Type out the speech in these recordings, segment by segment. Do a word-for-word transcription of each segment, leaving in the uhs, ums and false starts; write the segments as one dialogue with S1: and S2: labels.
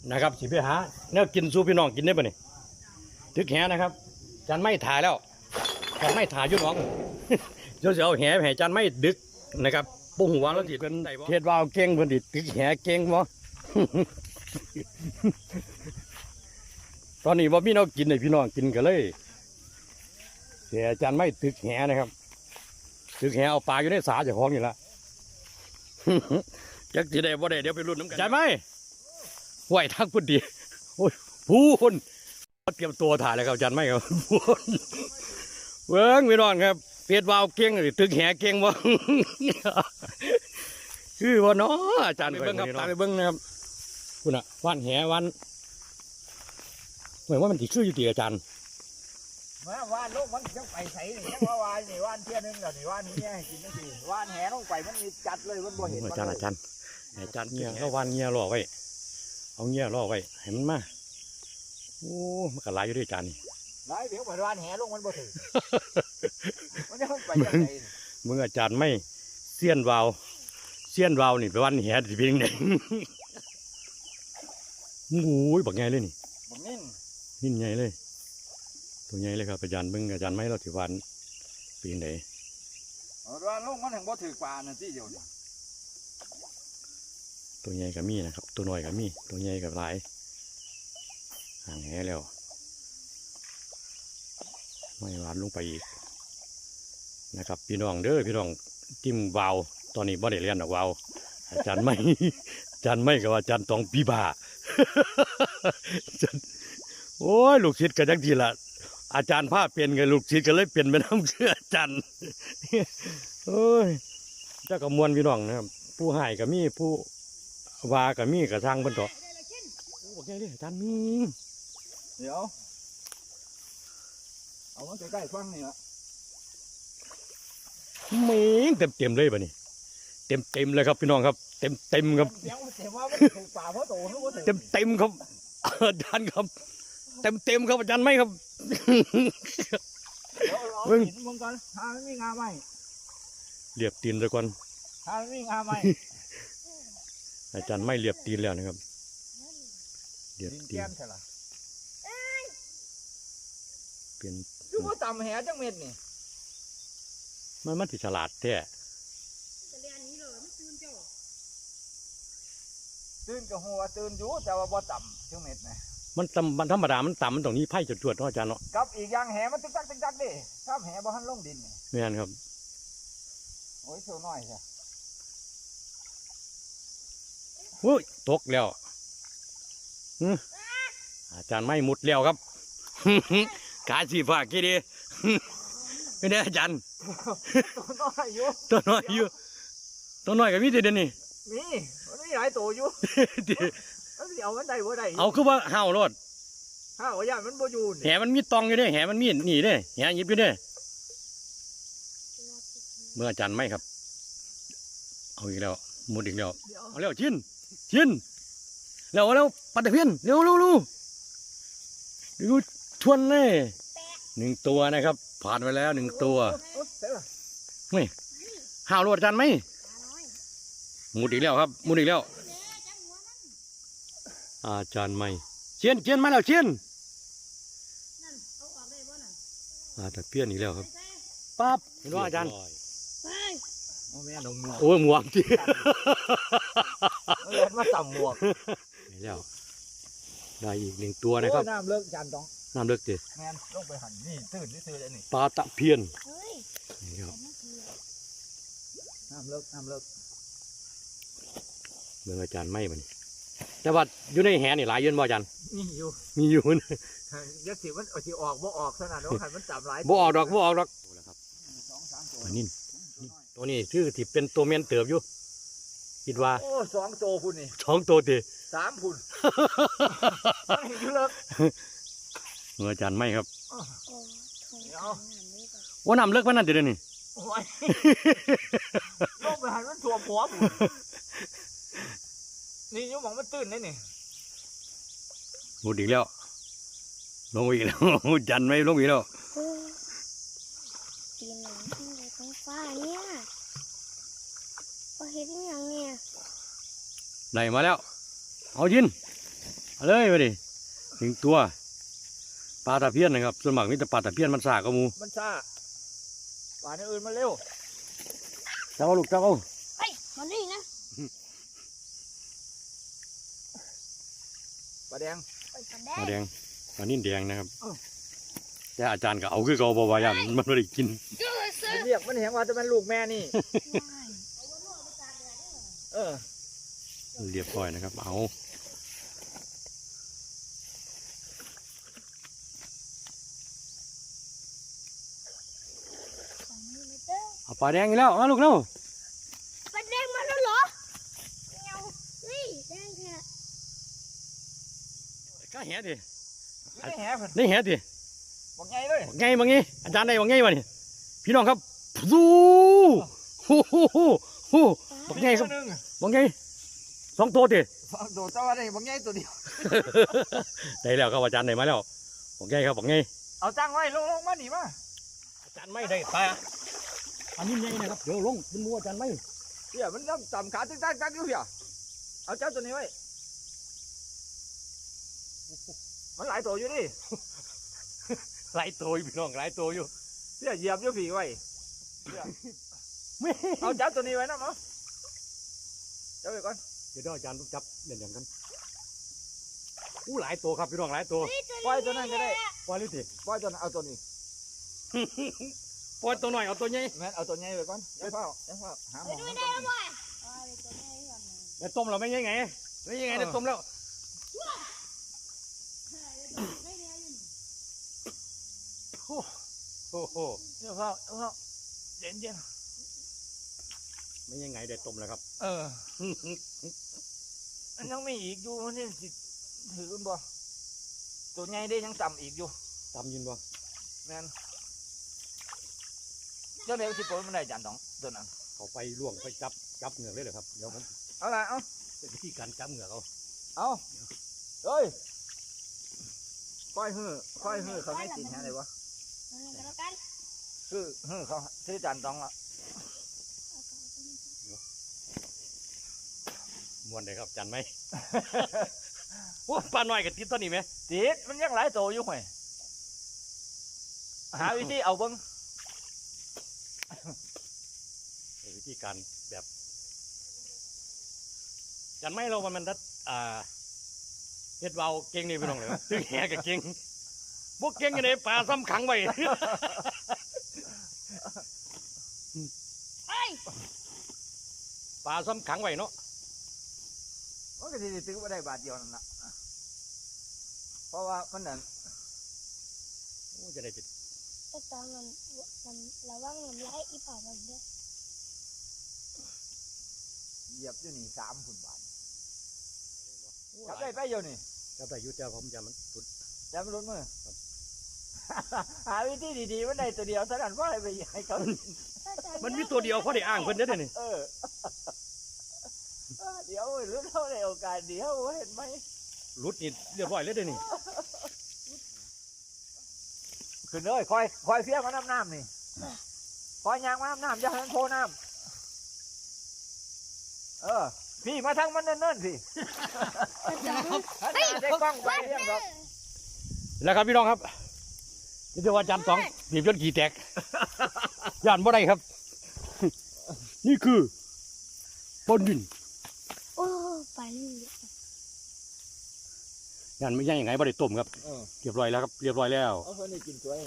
S1: นะครับสิไปหาเนื้อกินสู้พี่น้องกินได้ปะนี่ตึกแหนะครับจันไม่ถ่ายแล้วจันไม่ถ่ายยุ่น้องเดี๋ยวจะเอาแหแหจันไม่ดึกนะครับปุ้งหัวแล้วสิเป็นเทศวาวเก่งเพิ่นดิตึกแหเก่งบ่ ตอนนี้ว่าพี่น้องกินเลยพี่น้องกินกันเลยเสียจันไม่ตึกแหนะครับตึกแหเอาปลาอยู่ในสาเจ้าของนี่ละ จักสิได้บ่ได้เดี๋ยวไปรุ่นน้ำกันจันไม่ไหวทักพุ่นดีโอ้ยพูนเตรียมตัวถ่ายเลยครับจันไม่ครับพูนเบิ้งพี่น้องครับเพียรวาวเก่งหรือตึกแหเก่งบ่ คือว่าเนาะอาจารย์ไปเบิ้งครับตามไปเบิ้งนะครับคุณอะวันแหวันเหมือนว่ามันติดชื่ออยู่ตีอาจารย์
S2: มาว่านลูกมันยังไปใส่นี่ยังว่าว่านนี่ว่านเที่ยนึงแล้วนี่ว่านนี้ให้กินนั่นสิว่านแหลงไปมันมีจัดเลยมันบ่เห็น
S1: อาจารย์อาจารย์อาจารย์เงี้ยก็วันเงี้ยล่อไว้เอาเงี้ยล่อไว้ให้มันมาโอ้มันก็หลายอยู่ด้วยอาจารย์นี่
S2: หลายเดี๋ยวไปว่านแหลงมันบ่ถึงมันยังไปยังไง
S1: มึงอาจารย์ไม่เสี้ยนวาวเสี้ยนวาวนี่ไปวันแหสิเพียงไหนโอ้ยบักไงเลยนี่
S2: บักนิ่น
S1: นิ่นไงเลยตัวใหญ่เลยครับอาจารย์เบิ่งอาจารย์ไม่เราถือวันปีนไหน
S2: ว่านลูกมันถึงบ่ถือปลานั่นสิเดียว
S1: ตัวใหญ่กับมีนะครับตัวน้อยกับมีตัวใหญ่กับหลายห่างแหแล้วไม่หวานลงไปอีกนะครับพี่น้องเด้อพี่น้องจิ้มวาวตอนนี้บ่ได้เรียนหรอกวาวอาจารย์ไม่อาจารย์ไม่กับอาจารย์ตองปีบาโอ้ยลูกศิษย์กันจังทีละอาจารย์ผ้าเปลี่ยนกับลูกศิษย์ก็เลยเปลี่ยนไปน้ำเชื่ออาจารย์โอ้ยเจ้ากับมวลพี่น้องนะครับผู้ให้กับมีผู้วากับมีกับทางบนโต๊ะโอ้บอกไงดิอาจารย์มี
S2: เดี๋ยวเอามาใกล้ๆฟังนี่ละ
S1: เม้งเต็มเต็มเลยป่ะนี่เต็มเต็มเลยครับพี่น้องครับเต็มเต็มครับเต็มเต็มครับอาจารย์ครับเต็มเต็มครับอาจารย์ไม่ครับ
S2: มึงมึงก่อนหาไม่มีงาไหม
S1: เรียบตีนเลยก่อน
S2: หาไม่มีงาไหม
S1: อาจารย์ไม่เรียบตีนแล้วนะครับเรียบตีนเปลี่ยน
S2: คือว่าต่ำแหจังเม็ดนี่
S1: มันมันถือฉลาดแท้
S2: ตื่นกับหัวตื่นอยู่แต่ว่าบ่ต่ำจังเม็ดนะ
S1: มันต่ำมันธรรมดามันต่ำมันตรงนี้ไพ่จุดจวดเนาะอาจารย์เนาะ
S2: กับอีกอย่างแหมันตึกตักตึกตักดิถ้าแหบ่ทันลงดิน
S1: ไม่งั้นครับ
S2: โอ้ยโชว์น้อยใช่
S1: โอ้ยตกแล้วอาจารย์ไม่มุดแล้วครับขาสีฟ้ากี่ดีไม่ได้อาจารย์
S2: ตัวน้อยอยู่
S1: ตัวน้อยอยู่ตัวน้อยกับมีแต่เด่นนี่
S2: มีมันมีหลายตัวอยู่เอามันได้บ่ได้
S1: เอาคือว่าห่าวรถ
S2: ห่าวย่ามันบ่อยู่
S1: แหมันมีตองอยู่เด้แหมันมีหนีเด้แหยิบอยู่เด้เมื่ออาจารย์ไม่ครับเอาอีกแล้วมุดอีกแล้วเอาแล้วชินชินแล้วแล้วปัดตะเพียนเร็วเร็วเร็วดูชวนเลยหนึ่งตัวนะครับผ่านไปแล้วหนึ่งตัวไม่ห่าวรถอาจารย์ไหมมุดอีกแล้วครับมุดอีกแล้วอาจารย์ไม่เชียนเชียนมาแล้วเชียนอาตะเพียนอีกแล้วครับปั๊บเห็นว่าอาจารย์
S2: โอ้แม่ดงหมวก
S1: โอ้หมวกจี
S2: เล่นมาต่ำหมวก
S1: นี่แล้วได้อีกหนึ่งตัวนะครับ
S2: น้ำเลิกจานต้อง
S1: น้ำเลิกจี
S2: แม่ลงไปหันนี่ตื่นนี่ตื่นเลยนี่
S1: ปลาตะเพียนนี่ครับ
S2: น้ำเลิกน้ำเลิก
S1: เมืองอาจารย์ไม่มันแต่ว่าอยู่ในแหนี่หลายยืนบ่อาจารย์
S2: มีอยู่
S1: มีอยู่
S2: ยักษ์สิมันสิออกบ่ออกขนาดนั้นขันมันจับหลาย
S1: บ่ออกดอกบ่ออกดอกนี่ตัวนี้ชื่อที่เป็นตัวเมียนเติบอยู่คิดว่า
S2: โอ้สองตัวพุ่นนี่
S1: สองตัวตี
S2: สามพุ่นเลิก
S1: เมืองอาจารย์ไม่ครับว่าน้ำเลิกมันนั่นเดี๋ยวนี้
S2: ลงไปหันมันถ่วมหัวพุ่นนี่ยุ่งมองมันตื่นได้นี่
S1: หมดอีกแล้วลงอีกแล้วจันไม่ลงอีกแล้ว
S3: ตีนหนังขึ้นเลยท้องฟ้าเนี่ยพอเห็นอย่างเนี่ย
S1: ได้มาแล้วเอายินเอาเลยไปดิถึงตัวปลาตะเพียนนะครับส่วนมากมีแต่ปลาตะเพียนมันสากกระมู
S2: มันซ่าป่านอื่นมาเร็ว
S1: จับเอาลูกจับเอา
S3: เฮ้ยมันนี่นะ
S2: ปลาแดง
S3: ไปกัน
S1: ปลา
S3: แด
S1: แด
S3: ง
S1: งปลานิ่นแดงนะครับ
S2: อ้าว
S1: แต่อาจารย์ก็เอาคือเขาบอกว่ายันมันไม่ได้กิน
S2: มันเรียกมันเห็นว่าจะเป็นลูกแม่นี่ เออ
S1: เรียบร้อยนะครับเอาเอาปลาแดงอีกแล้วมาลูกเร็ว
S3: ไปแดงมาแล้วเหรอเงานี่แดงแค่
S1: ก็แหดิ
S2: ไม่ได้แหเพิ่น
S1: ได้แหดิ
S2: บอกไงเลย
S1: ไงบางไงอาจารย์ได้บางไงวะนี่พี่น้องครับดูโอ้โหโอ้โหบางไงครับ
S2: หนึ่ง
S1: บางไงสองตัวดิ
S2: โดดเจ้าว่าได้บอกไงตัวเดียว
S1: ได้แล้วครับอาจารย์ได้มาแล้วบางไงครับบางไง
S2: เอาจังไว้ลงลงมาหนิมา
S1: อาจารย์ไม่ได้ปลาอันนี้ไงนะครับเดี๋ยวลงเป็นมัวอาจารย์ไม่
S2: เดี๋ยวมันต้องต่ำขาตึ้งตั้งตั้งอยู่เพียเอาเจ้าตัวนี้ไว้มันหลายตัวอยู่ดิ
S1: หลายตัวอยู่พี่น้องหลายตัวอยู่
S2: เดี๋ยวเหยียบอยู่ผีไว้
S1: ไม่
S2: เอาเจ้าตัวนี้ไว้นะมั้งเจ้าไปก่อน
S1: เดี๋ยวอาจารย์ต้องจับเด่นอย่างกันอู้หลายตัวครับพี่น้องหลายตัว
S2: ปล่อยตัวนั้นก็ได้
S1: ปล่อยเลยสิ
S2: ปล่อยตัวนั้นเอาตัวนี้
S1: ปล่อยตัวหน่อยเอาตัวใหญ่
S2: แม่นเอาตัวใหญ่ไปก่อนเดี๋ยวเฝ้าเดี๋ยวเฝ้าหาหมองมันก่อน
S1: เดี๋ยวต้มเราไม่ยังไงไม่ยังไงเดี๋ยวต้มแล้วโอ้โห
S2: เดี๋ยวเฝ้าเดี๋ยวเฝ้าเย็นเย็น
S1: ไม่ยังไงเดี๋ยวต้มแล้วครับ
S2: เออมันยังมีอีกอยู่มันนี่สิถือกันบ่ตัวใหญ่ได้ยังต่ำอีกอยู่
S1: ตำยินบ่
S2: แม่นเจ้าเดี๋ยวสิปล่อยมันได้จานสองตัวนั้น
S1: เขาไปล่วงไปจับจับเหงือกเลยเหรอครับเดี๋ยวผม
S2: เอาละเอา
S1: เป็นวิธีการจับเหงือกเอา
S2: เอาเฮ้ยค่อยฮื้อค่อยฮื้อเขาไม่ติดแฮะเลยวะ
S3: แล้วกัน
S2: คือฮื้อเขาซื้อจานสองละ
S1: ม้วนเลยครับจันไหม โอ้ปลาหน่อยกับติดตัวนี้ไหม
S2: ติดมันยังหลายตัวอยู่ห่วยหาวิธีเอาเบิ้ง
S1: เป็นวิธีการแบบจันไหมเรามันมันดัดอ่าเฮ็ดเบาเก่งนี่พี่น้องเลยตึงแหกับเก่งพวกเก่งกันเลยปลาซ้ำขังไว้
S3: เฮ้ย
S1: ปลาซ้ำขังไว้เนาะ
S2: มันก็สิได้ซื้อมาได้บาทเดียวนั่นละเพราะว่ามันนั่น
S1: โอ้จะได้จิต
S3: แต่ตอนมันมันระวังน้ำลายอีป่ามันเด้อ
S2: เหยียบอยู่นี่สามพันบาทจับได้ไปอยู่นี่
S1: จับได้อยุติผมจะมันสุด
S2: จับมันลุ้นมือ หาวิธีดีๆมันได้ตัวเดียวเท่านั้นว่าไปให้เขา
S1: มันมีตัวเดียวเขาได้อ้างเพิ่นเด้อเดี๋ยวนี่
S2: เออเออเดี๋ยวรู้เท่าในโอกาสเดี๋ยวเห็นไหม
S1: รุดนี่เรียบร้อยเลยเดี๋ยวนี่
S2: ขึ้นเลยคอยคอยเฟี้ยงมาน้ำน้ำนี่คอยยางมาน้ำน้ำอย่าให้มันโผล่น้ำเออพี่มาทั้งมันเนิ่นๆพี่ถ้าได้กล้องไปเรียงดอก
S1: แล้วครับพี่น้องครับนี่เดี๋ยวว่าจันสองบีบจนขี่แตก ย่านบ่ได้ครับ นี่คือปนดิน
S3: โอ้ไปนี่
S1: ย่านไม่ใช่ยังไงบ่ได้ต้มครับ
S2: เออ
S1: เรียบร้อยแล้วครับเรียบร้อยแล้ว
S2: เอาคนนี้กินตัวเอง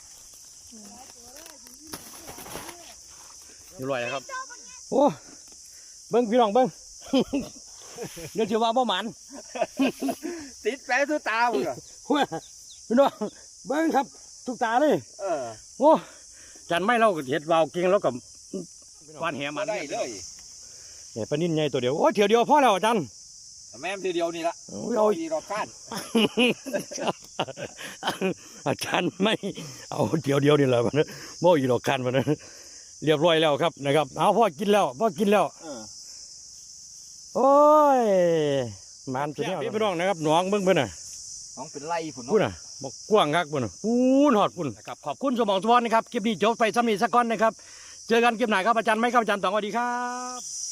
S1: เรียบร้อยแล้วครับโอ้เบิ้งพี่น้องเบิ้ง เดี๋ยวจะว่าบ่หมัน
S2: ติดแปะทุกตาบุก
S1: พี่น้องเบิ้งครับทุกตาเลย
S2: เออ
S1: โอ้จันไม่เราก็เห็ดวาวเก่งแล้วกับวานแหมัน
S2: ได้เลย
S1: เนี่ยปลานิ่นใหญ่ตัวเดียวโอ้เถียวเดียวพอแล้วอาจารย์
S2: แม่ทีเดียวนี่ละ
S1: โอ้ยเอา
S2: ดีรอคาด
S1: อาจารย์ไม่เอาเดียวเดียวนี่แหละมันโม่อีหลอกคันมันเรียบร้อยแล้วครับนะครับเอาพ่อกินแล้วพ่อกินแล้ว
S2: เออ
S1: โอ้ยมันตัวนี้พี่น้องนะครับหนองเบิ้งเพิ่นน่ะ
S2: น้องเป็นไล่ผุน
S1: พูดน่ะบอกกว้างคักพุ่นน่ะปูนหอดพุ่นนะครับขอบคุณสมองสวรรค์นะครับคลิปนี้จบไปซ้ำนี้สักก้อนนะครับ เจอกันคลิปไหนครับอาจารย์ไม่ครับอาจารย์ต๋องสวัสดีครับ